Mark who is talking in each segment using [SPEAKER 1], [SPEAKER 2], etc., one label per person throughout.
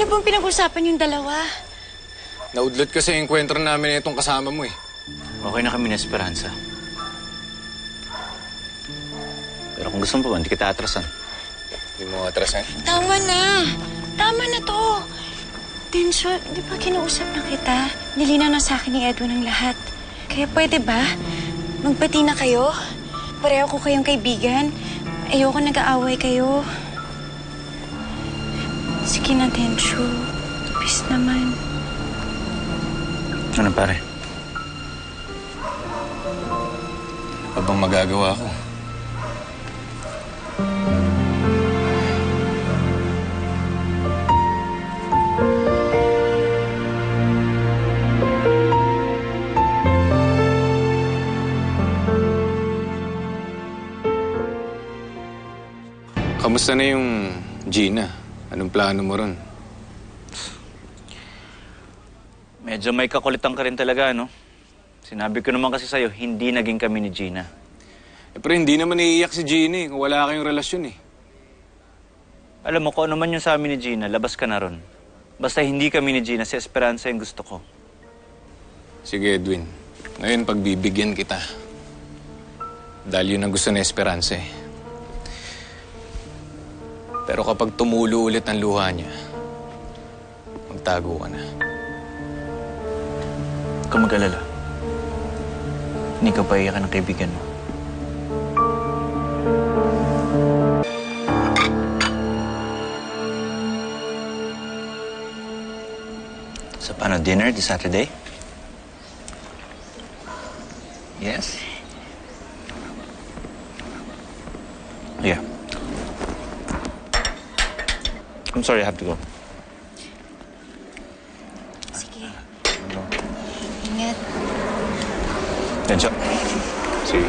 [SPEAKER 1] Ano bang pinag-usapan yung dalawa?
[SPEAKER 2] Naudlot kasi yung enkwentro namin na itong kasama mo eh.
[SPEAKER 3] Okay na kami na Esperanza. Pero kung gusto mo pa, hindi kita atrasan.
[SPEAKER 2] Hindi mo atrasan?
[SPEAKER 1] Tama na. Tama na to. Tensyo, di ba kinausap na kita? Nilinaw na sa akin ni Edwin ang lahat. Kaya pwede ba? Magbati na kayo? Pareho ko kayong kaibigan. Ayoko nag-aaway kayo. Sige na, Tensyo. Peace naman.
[SPEAKER 3] Ano pare?
[SPEAKER 2] Ano bang magagawa ko? Kamusta na yung Gina? Anong plano mo ron?
[SPEAKER 3] Medyo may kakulitan ka rin talaga, no? Sinabi ko naman kasi sa'yo, hindi naging kami ni Gina.
[SPEAKER 2] Pero hindi naman naiiyak si Gina kung wala kayong relasyon eh.
[SPEAKER 3] Alam mo, kung ano man yung sa amin ni Gina, labas ka na ron. Basta hindi kami ni Gina, si Esperanza yung gusto ko.
[SPEAKER 2] Sige, Edwin. Ngayon, pagbibigyan kita. Dahil yun ang gusto ni Esperanza eh. Pero kapag tumulo ulit ang luha niya, magtago ka na.
[SPEAKER 3] Huwag kang mag-alala. Hindi ka pa iyakan ng kaibigan mo. So, paano dinner this Saturday? Yes? Yeah. I'm sorry, I have to go.
[SPEAKER 1] Sige. Ingat.
[SPEAKER 3] Tensyo.
[SPEAKER 2] Sige.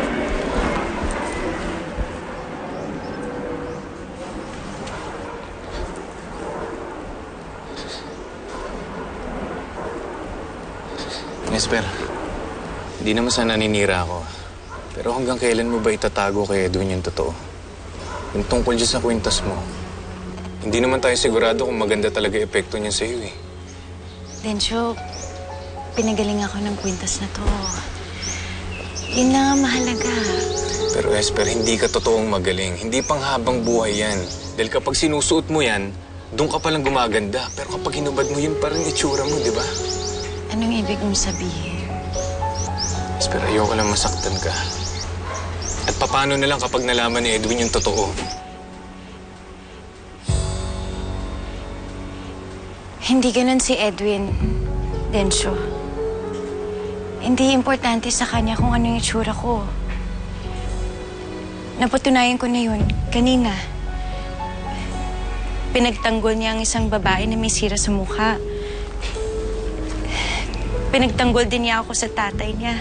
[SPEAKER 2] Esper, hindi naman sana naninira ako. Pero hanggang kailan mo ba itatago kay Edwin yung totoo? Yung tungkol dyan sa kwintas mo. Hindi naman tayo sigurado kung maganda talaga epekto niya sa'yo eh.
[SPEAKER 1] Tensyo, pinagaling ako ng kwintas na to. Yun lang ang mahalaga.
[SPEAKER 2] Pero Esper, hindi ka totoong magaling. Hindi pang habang buhay yan. Dahil kapag sinusuot mo yan, doon ka palang gumaganda. Pero kapag hinubad mo, yun pa rin itsura mo, di ba?
[SPEAKER 1] Anong ibig mong sabihin?
[SPEAKER 2] Esper, ayoko lang masaktan ka. At paano na lang kapag nalaman ni Edwin yung totoo?
[SPEAKER 1] Hindi ganun si Edwin, Densyo. Hindi importante sa kanya kung ano yung itsura ko. Napatunayan ko na yun kanina. Pinagtanggol niya ang isang babae na may sira sa mukha. Pinagtanggol din niya ako sa tatay niya.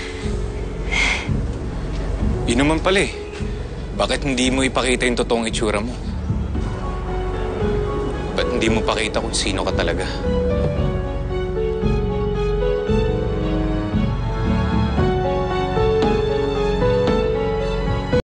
[SPEAKER 2] Yun naman pala eh. Bakit hindi mo ipakita yung totoong itsura mo? Ba't hindi mo pakita kung sino ka talaga?